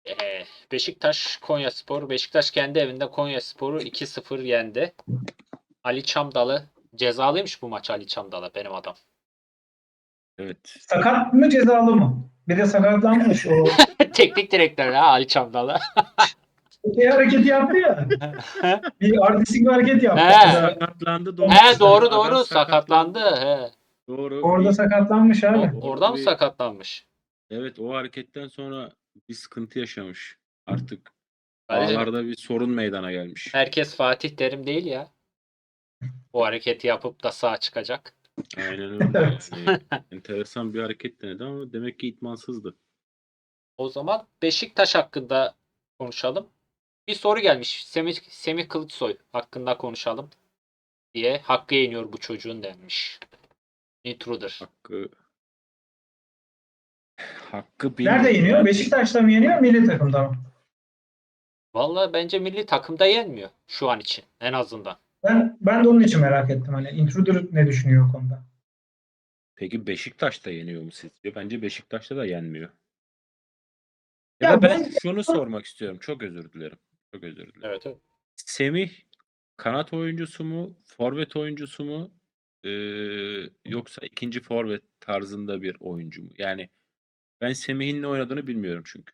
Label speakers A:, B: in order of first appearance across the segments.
A: Beşiktaş Konyaspor. Beşiktaş kendi evinde Konyaspor'u 2-0 yendi. Ali Çamdalı cezalıymış bu maç, Ali Çamdalı benim adam.
B: Evet.
C: Sakat mı cezalı mı? Bir de sakatlanmış o.
A: Teknik direktör ha Ali Çamdalı.
C: Şey hareketi yaptı ya. Bir artistik bir hareket yaptı.
A: He.
C: Orada,
B: Sakatlandı doğru.
A: He doğru
B: Adam
A: sakatlandı. He.
B: Doğru.
C: orada sakatlanmış abi.
A: Oradan mı sakatlanmış?
B: Evet, o hareketten sonra bir sıkıntı yaşamış. Artık
A: Kardeşim,
B: bağlarda bir sorun meydana gelmiş.
A: herkes Fatih Terim değil ya. O hareketi yapıp da sağa çıkacak.
B: Aynen öyle.
C: Evet.
B: Yani enteresan bir hareket denedi ama demek ki itmansızdı.
A: O zaman Beşiktaş hakkında konuşalım. Bir soru gelmiş. Semih Kılıçsoy hakkında konuşalım diye. Hakkı yeniyor bu çocuğun denmiş. Intruder.
B: Hakkı
C: Nerede
B: bilmiyorum.
C: yeniyor?
B: Yani
C: Beşiktaş'ta mı yeniyor? Milli takımda mı?
A: Vallahi bence milli takımda yenmiyor şu an için en azından.
C: Ben de onun için merak ettim. Hani Intruder ne düşünüyor o konuda?
B: peki Beşiktaş'ta yeniyor mu sizce? Bence Beşiktaş'ta da yenmiyor. Ya da
C: Ya
B: ben
C: ben
B: şunu sormak istiyorum. Çok özür dilerim. Çok özür dilerim.
A: Evet, evet.
B: Semih kanat oyuncusu mu, forvet oyuncusu mu, yoksa ikinci forvet tarzında bir oyuncu mu? Yani ben Semih'in ne oynadığını bilmiyorum çünkü.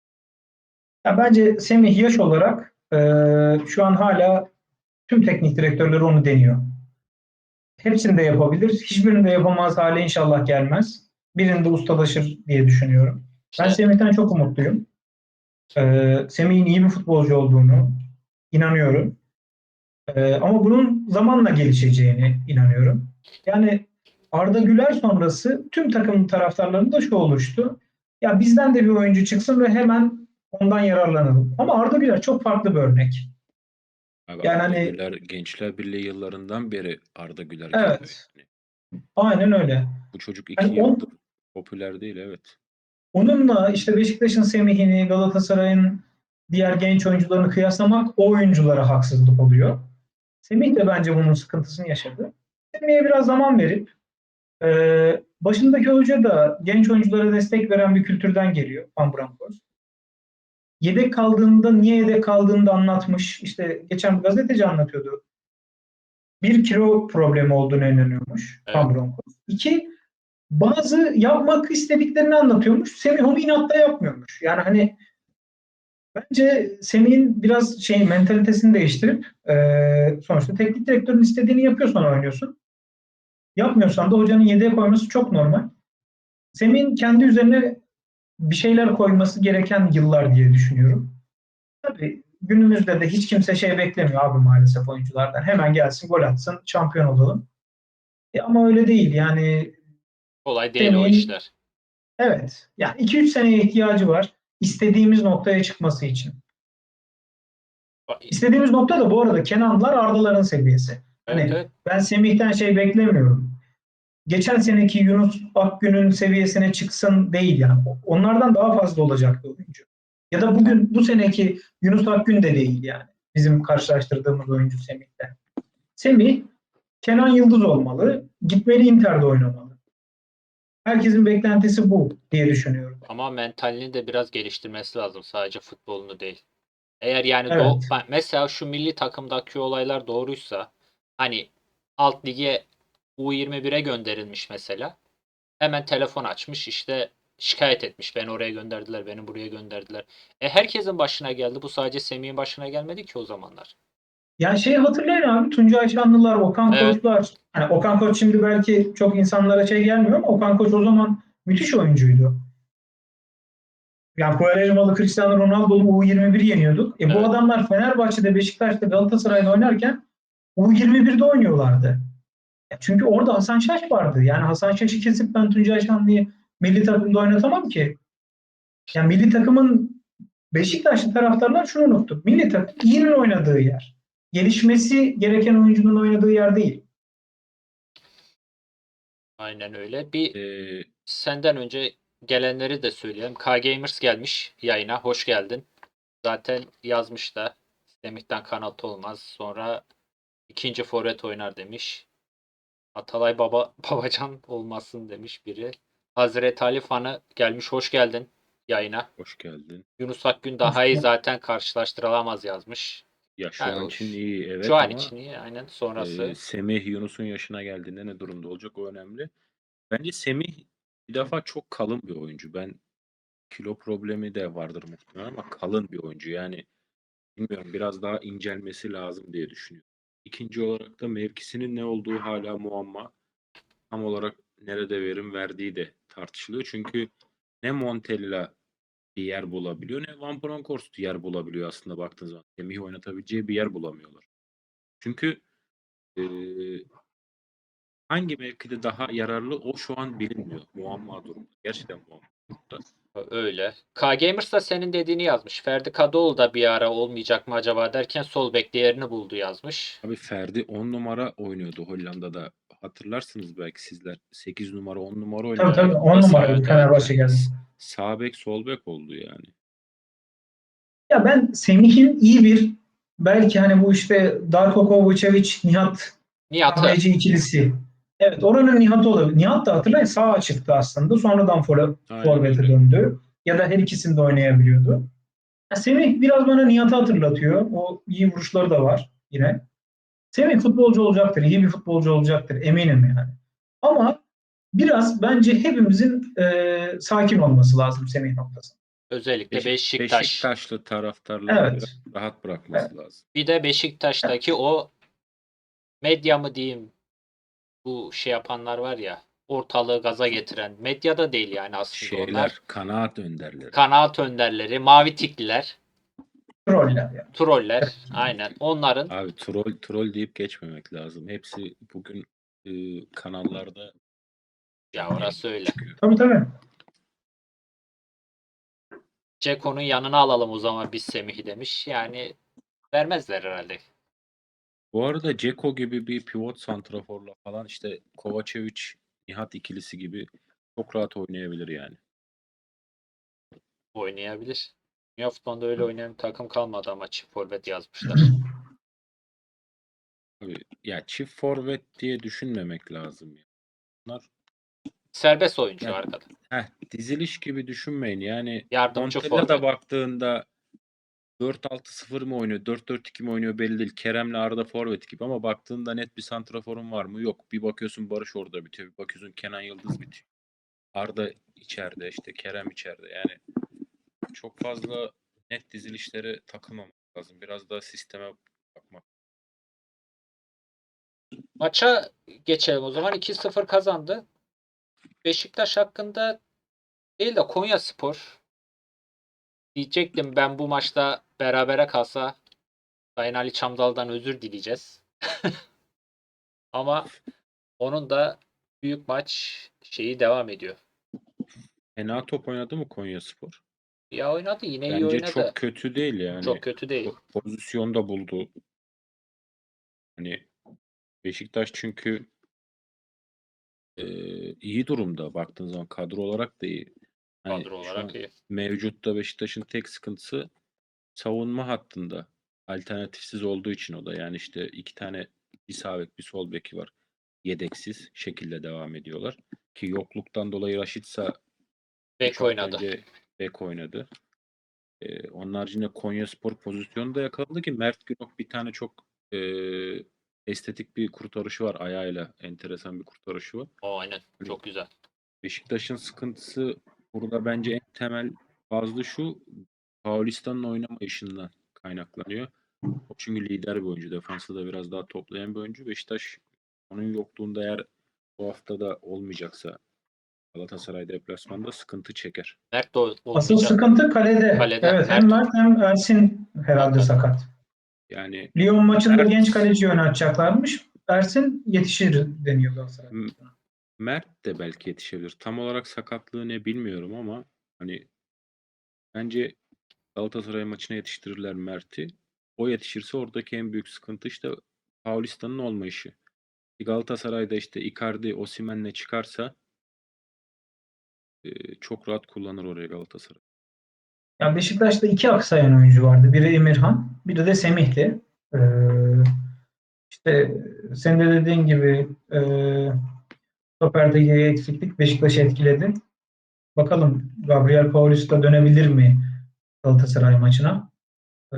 C: bence Semih yaş olarak şu an hala tüm teknik direktörleri onu deniyor. Hepsini de yapabilir. Hiçbirini de yapamaz hale inşallah gelmez. Birinde ustalaşır diye düşünüyorum. Ben
A: İşte
C: Semih'ten çok umutluyum. Semih'in iyi bir futbolcu olduğunu inanıyorum. Ama bunun zamanla gelişeceğine inanıyorum. Yani Arda Güler sonrası tüm takım taraftarlarında şu oluştu. Ya bizden de bir oyuncu çıksın ve hemen ondan yararlanalım. Ama Arda Güler çok farklı bir örnek.
B: Abi
C: Yani
B: Arda
C: hani
B: Güler Gençler Birliği yıllarından beri Arda Güler geliyor.
C: evet,
B: Yani
C: aynen öyle.
B: bu çocuk
C: Yani
B: 2 yıldır popüler değil, evet.
C: onunla işte Beşiktaş'ın Semih'ini, Galatasaray'ın diğer genç oyuncularını kıyaslamak o oyunculara haksızlık oluyor. Semih de bence bunun sıkıntısını yaşadı. Semih'e biraz zaman verip başındaki hoca da genç oyunculara destek veren bir kültürden geliyor. Van Bronckhorst. Yedek kaldığında niye yedek kaldığını da anlatmış. İşte geçen bir gazeteci anlatıyordu. Bir kilo problemi olduğunu inanıyormuş
A: evet.
C: Van Bronckhorst. İki, bazı yapmak istediklerini anlatıyormuş. Semih onu inatla yapmıyormuş. Yani hani bence Semih'in biraz mentalitesini değiştirip sonuçta teknik direktörün istediğini yapıyorsan oynuyorsun. Yapmıyorsan da hocanın yedeğe koyması çok normal. Semih'in kendi üzerine bir şeyler koyması gereken yıllar diye düşünüyorum. Tabii günümüzde de hiç kimse beklemiyor abi maalesef oyunculardan. Hemen gelsin gol atsın şampiyon olalım. Ama öyle değil yani
A: Kolay değil o
C: Semih'in
A: işler.
C: evet yani 2-3 seneye ihtiyacı var istediğimiz noktaya çıkması için. İstediğimiz nokta da bu arada Kenanlar Ardaların seviyesi.
A: Evet,
C: Hani
A: evet.
C: ben Semih'ten beklemiyorum. Geçen seneki Yunus Akgün'ün seviyesine çıksın değil yani. Onlardan daha fazla olacak bir oyuncu. Ya da bugün bu seneki Yunus Akgün de değil yani. Bizim karşılaştırdığımız oyuncu Semih'te. Semih Kenan Yıldız olmalı. Gitmeli Inter'de oynamalı. Herkesin beklentisi bu diye düşünüyorum.
A: Ama mentalini de biraz geliştirmesi lazım. Sadece futbolunu değil. Eğer yani
C: Evet.
A: mesela şu milli takımdaki olaylar doğruysa, hani alt lige U21'e gönderilmiş mesela. Hemen telefon açmış, işte şikayet etmiş. Beni oraya gönderdiler, beni buraya gönderdiler. Herkesin başına geldi. Bu sadece Semih'in başına gelmedi ki o zamanlar.
C: Yani hatırlayın abi Tuncay Şanlılar, Okan
A: Evet.
C: Koçlar. Hani Okan Koç şimdi belki çok insanlara gelmiyor ama Okan Koç o zaman müthiş oyuncuydu. Yani Quaresma'lı Cristiano Ronaldo'lu U21 yeniyorduk. Bu
A: Evet.
C: adamlar Fenerbahçe'de, Beşiktaş'ta, Galatasaray'da oynarken U21'de oynuyorlardı. Çünkü orada Hasan Şaş vardı. Yani Hasan Şaş'ı kesip ben Tuncay Şanlı'yı milli takımda oynatamam ki. Yani milli takımın Beşiktaşlı taraftarlar şunu unuttu. Milli takım iyinin oynadığı yer. Gelişmesi gereken oyuncunun oynadığı yer değil.
A: Aynen öyle. Bir
B: Ee,
A: senden önce gelenleri de söyleyelim. K-Gamers gelmiş yayına. Hoş geldin. Zaten yazmış da Semih'ten kanat olmaz. Sonra ikinci forvet oynar demiş. Atalay Babacan olmasın demiş biri. Hazreti Ali fanı gelmiş. Hoş geldin. yayına.
B: Hoş geldin.
A: Yunus Akgün daha iyi zaten karşılaştırılamaz yazmış.
B: Ya şu
A: Yani
B: an için iyi
A: şu
B: evet
A: an
B: ama
A: için iyi aynen sonrası.
B: Semih Yunus'un yaşına geldiğinde ne durumda olacak o önemli. Bence Semih bir defa çok kalın bir oyuncu. Ben kilo problemi de vardır muhtemelen ama kalın bir oyuncu. Yani bilmiyorum biraz daha incelmesi lazım diye düşünüyorum. İkinci olarak da mevkisinin ne olduğu hala muamma. Tam olarak nerede verim verdiği de tartışılıyor. Çünkü ne Montella bir yer bulabiliyor ne Van Bronckhorst yer bulabiliyor aslında baktığınız zaman. Semih'i oynatabileceği bir yer bulamıyorlar. Çünkü hangi mevkide daha yararlı o şu an bilinmiyor. Muamma durumda. Gerçekten muamma durumda.
A: Öyle. K-Gamers da senin dediğini yazmış. Ferdi Kadıoğlu da bir ara olmayacak mı acaba derken sol bekte yerini buldu yazmış.
B: Abi Ferdi 10 numara oynuyordu Hollanda'da. Hatırlarsınız belki sizler. 8 numara 10 numara
C: Tabii
B: oynuyordu.
C: tabii 10
A: Nasıl
C: numaraydı
A: evet evet.
C: Fenerbahçe geldi.
B: Sağ bek sol bek oldu yani.
C: Ya ben Semih'in iyi bir belki hani bu işte Darko Kovacevic, Nihat
A: Nihat'ı.
C: Kahveci ikilisi. Evet oranın Nihat'ı olabilir. Nihat da hatırlayın sağa çıktı aslında. Sonradan
B: Aynen
C: forvete
B: öyle.
C: döndü. Ya da her ikisini de oynayabiliyordu. Ya Semih biraz bana Nihat'ı hatırlatıyor. O iyi vuruşları da var yine. Semih futbolcu olacaktır. İyi bir futbolcu olacaktır. Eminim yani. Ama biraz bence hepimizin sakin olması lazım Semih noktasında.
A: Özellikle Beşiktaş.
B: Beşiktaşlı taraftarların biraz
C: Evet.
B: rahat
C: Evet.
B: bırakması lazım.
A: Bir de Beşiktaş'taki o medya mı diyeyim bu şey yapanlar var ya ortalığı gaza getiren medya da değil yani aslında onlar.
B: Kanaat önderleri.
A: Kanaat önderleri, mavi tikliler,
C: Troller yani.
A: troller aynen onların
B: Abi troll deyip geçmemek lazım. Hepsi bugün kanallarda
A: ya
B: canlı
A: orası
B: yayında
A: öyle.
B: çıkıyor.
C: Tabii tabii.
A: Ceko'nun yanına alalım o zaman biz Semih'i demiş. Yani vermezler herhalde.
B: Bu arada Dzeko gibi bir pivot santraforla falan işte Kovacevic, Nihat ikilisi gibi çok rahat oynayabilir yani.
A: Oynayabilir. Dünya futbolunda öyle oynayan bir takım kalmadı ama çift forvet yazmışlar.
B: Abi, ya çift forvet diye düşünmemek lazım ya. Bunlar
A: Serbest oyuncu
B: ya,
A: arkada.
B: diziliş gibi düşünmeyin. Yani
A: Yardımcı
B: Montella da
A: forvet.
B: baktığında 4-6-0 mı oynuyor, 4-4-2 mi oynuyor belli değil. Kerem'le Arda forvet gibi ama baktığında net bir santraforun var mı? Yok. Bir bakıyorsun Barış orada bitiyor. Bir bakıyorsun Kenan Yıldız bitiyor. Arda içeride işte Kerem içeride. Yani çok fazla net dizilişlere takılmamak lazım. Biraz daha sisteme bakmak.
A: Maça geçelim o zaman. 2-0 kazandı. Beşiktaş hakkında değil de Konyaspor diyecektim ben bu maçta berabere kalsa Sayın Ali Çamdal'dan özür dileyeceğiz. Ama onun da büyük maç şeyi devam ediyor.
B: Fena top oynadı mı Konyaspor?
A: Ya oynadı yine iyi
B: Bence
A: oynadı.
B: çok kötü değil yani.
A: Çok kötü değil.
B: Pozisyon da buldu. Hani Beşiktaş çünkü iyi durumda baktığın zaman kadro olarak da iyi. Hani
A: Kadro
B: şu
A: olarak
B: an
A: iyi.
B: mevcutta Beşiktaş'ın tek sıkıntısı savunma hattında. Alternatifsiz olduğu için o da. Yani işte iki tane bir sağ bek bir sol beki var. Yedeksiz şekilde devam ediyorlar. Ki yokluktan dolayı Raşitsa
A: Bek
B: 3 hafta
A: oynadı.
B: önce bek oynadı. Onun haricinde Konyaspor pozisyonu da yakaladı ki Mert Günok bir tane çok estetik bir kurtarışı var ayağıyla. Enteresan bir kurtarışı var.
A: O aynen.
B: Hani
A: Çok güzel.
B: Beşiktaş'ın sıkıntısı burada bence en temel fazla şu Paulistan'ın oynamayışından kaynaklanıyor. O çünkü lider bir oyuncu. Defansı da biraz daha toplayan bir oyuncu. Beşiktaş onun yokluğunda eğer bu hafta da olmayacaksa Galatasaray deplasmanda sıkıntı çeker.
A: Mert de
C: Asıl
A: olmayacak.
C: sıkıntı kalede.
A: Kalede.
C: Evet hem
A: Mert
C: Mert hem Ersin herhalde sakat.
B: Yani
C: Lyon maçında genç
B: Mert
C: kaleci oynatacaklarmış. Ersin yetişir deniyor Galatasaray.
B: Mert de belki yetişebilir. Tam olarak sakatlığı ne bilmiyorum ama hani bence Galatasaray maçına yetiştirirler Mert'i. O yetişirse oradaki en büyük sıkıntı işte Paulistan'ın olmayışı. Galatasaray'da işte Icardi, Osimhen'le çıkarsa çok rahat kullanır oraya Galatasaray.
C: Ya Beşiktaş'ta iki aksayan oyuncu vardı. Biri Emirhan, biri de Semih'ti. Ee, işte senin de dediğin gibi stoperdeki eksiklik Beşiktaş'ı etkiledi. Bakalım Gabriel Paulista dönebilir mi Galatasaray maçına? Ee,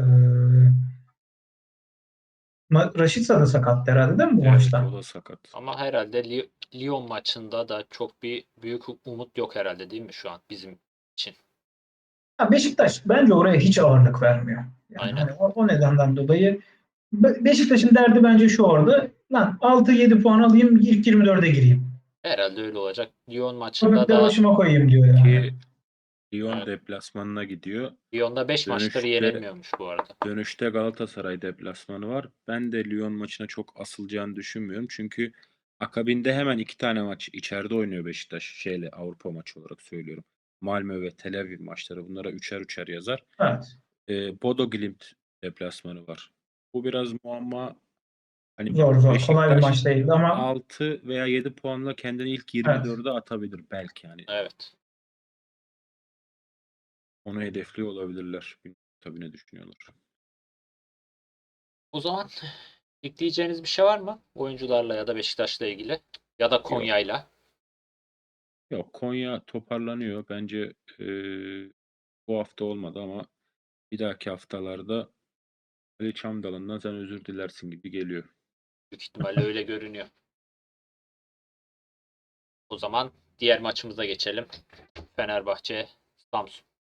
C: Rashica da sakat herhalde değil mi bu
B: Evet,
C: maçta?
B: o da sakat.
A: Ama herhalde Lyon maçında da çok bir büyük umut yok herhalde değil mi şu an bizim için?
C: Ya Beşiktaş bence oraya hiç ağırlık vermiyor. Yani
A: Aynen.
C: hani o nedenden dolayı Beşiktaş'ın derdi bence şu orada. Lan 6-7 puan alayım ilk 24'e gireyim.
A: Herhalde öyle olacak. Lyon maçında
C: Köpekleri
A: da
C: başıma koyayım diyor yani.
B: Ki Lyon
A: evet,
B: deplasmanına gidiyor.
A: Lyon'da 5 maçtır
B: Dönüşte
A: yenilmiyormuş bu arada.
B: dönüşte Galatasaray deplasmanı var. Ben de Lyon maçına çok asılacağını düşünmüyorum. Çünkü akabinde hemen 2 tane maç içeride oynuyor Beşiktaş. Avrupa maçı olarak söylüyorum. Malmö ve Tel Aviv maçları. Bunlara üçer üçer yazar.
C: Evet.
B: Bodo Glimt deplasmanı var. Bu biraz muamma. Hani
C: Zor. Kolay bir
B: Beşiktaş
C: maç değildi ama
B: 6 veya 7 puanla kendini ilk
C: evet.
B: 24'e atabilir belki yani.
A: Evet.
B: Onu hedefliyor olabilirler. Bilmiyorum tabii ne düşünüyorlar.
A: O zaman ekleyeceğiniz bir şey var mı? Oyuncularla ya da Beşiktaş'la ilgili ya da
B: Yok.
A: Konya'yla.
B: Yok, Konya toparlanıyor. Bence bu hafta olmadı ama bir dahaki haftalarda Ali Çamdalı'ndan sen özür dilersin gibi geliyor.
A: Büyük ihtimalle öyle görünüyor. O zaman diğer maçımıza geçelim. Fenerbahçe Samsun.